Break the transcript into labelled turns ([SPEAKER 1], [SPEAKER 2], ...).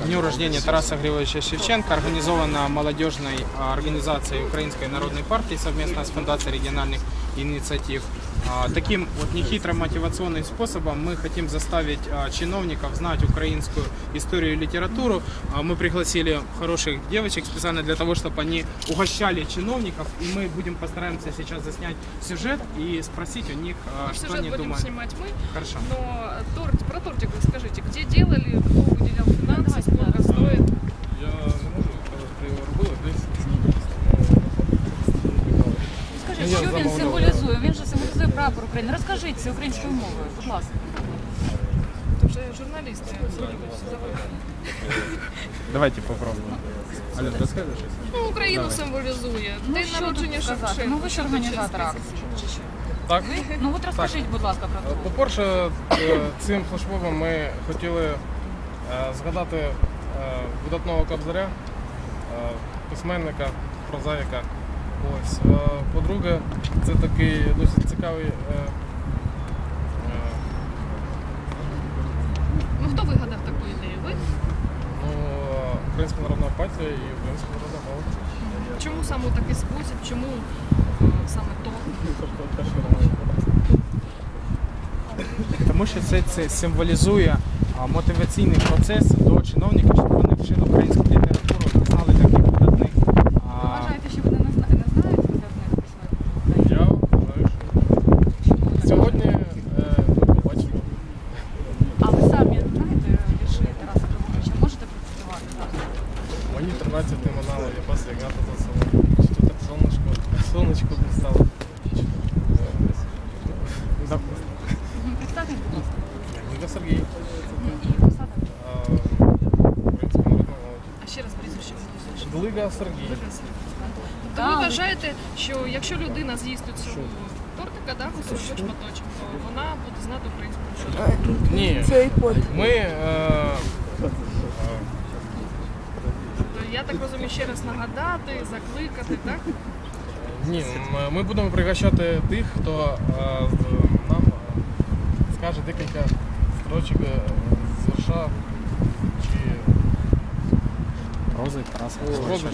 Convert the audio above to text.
[SPEAKER 1] дню рождения Тараса Григорьевича Шевченко, организована молодежной организацией Украинской народной партии совместно с Фундацией региональных инициатив. Таким вот нехитрым мотивационным способом мы хотим заставить чиновников знать украинскую историю и литературу. Мы пригласили хороших девочек специально для того, чтобы они угощали чиновников. И мы постараемся сейчас заснять сюжет и спросить у них, что они думают.
[SPEAKER 2] Сюжет будем снимать мы.
[SPEAKER 1] Хорошо.
[SPEAKER 2] Но про тортик расскажите, где делали, кто выделял финансы, сколько стоит?
[SPEAKER 3] Я не можу сказати, де його робили, десь.
[SPEAKER 4] Скажіть, що він символізує? Він же символізує прапор України. Розкажіть це українською мовою, будь ласка.
[SPEAKER 2] Це вже журналісти.
[SPEAKER 1] Давайте попробуем. Ален, расскажешь?
[SPEAKER 2] Ну, Україну символізує. День народження Шевченка.
[SPEAKER 4] Ну ви ж організатор акції. Чи що?
[SPEAKER 3] Так.
[SPEAKER 4] Ну от розкажіть, будь ласка, про це.
[SPEAKER 3] По-перше, цим флешмобом ми хотіли згадати видатного Кобзаря, письменника, прозаїка. Ось. По-друге, це такий досить цікавий.
[SPEAKER 2] Ну, хто вигадав таку ідею? Ви?
[SPEAKER 3] Українська народна партія і Українська народна молодь.
[SPEAKER 2] Чому саме у такий спосіб? Чому саме то?
[SPEAKER 1] Тому що це символізує мотиваційний процес до чиновників, щоб вони вчили українську літературу, знали таких видатних.
[SPEAKER 4] Ви вважаєте, що вони не знають видатних письменників?
[SPEAKER 3] Я вважаю, що сьогодні побачимо.
[SPEAKER 4] А ви самі знаєте вірші Тараса Григоровича? Можете процитувати зараз?
[SPEAKER 3] Мені 13 минало, я пас ягата за село. Чи то так сонечко блистало.
[SPEAKER 4] Представте, будь ласка.
[SPEAKER 3] Ніга Сергій.
[SPEAKER 4] І посада.
[SPEAKER 3] Українська народна молодь.
[SPEAKER 2] А ще раз прізвище виголосуєш.
[SPEAKER 3] Глига Сергій.
[SPEAKER 2] То ви вважаєте, що якщо людина з'їсть цю тортика, да, кусочок шматочок, то вона буде знати українську мову?
[SPEAKER 3] Ні. Ми
[SPEAKER 2] Я так розумію, ще раз нагадати, закликати, так?
[SPEAKER 3] ні, ми будемо пригощати тих, хто нам скаже декілька строчок з вірша чи
[SPEAKER 1] Прози Тараса
[SPEAKER 3] прози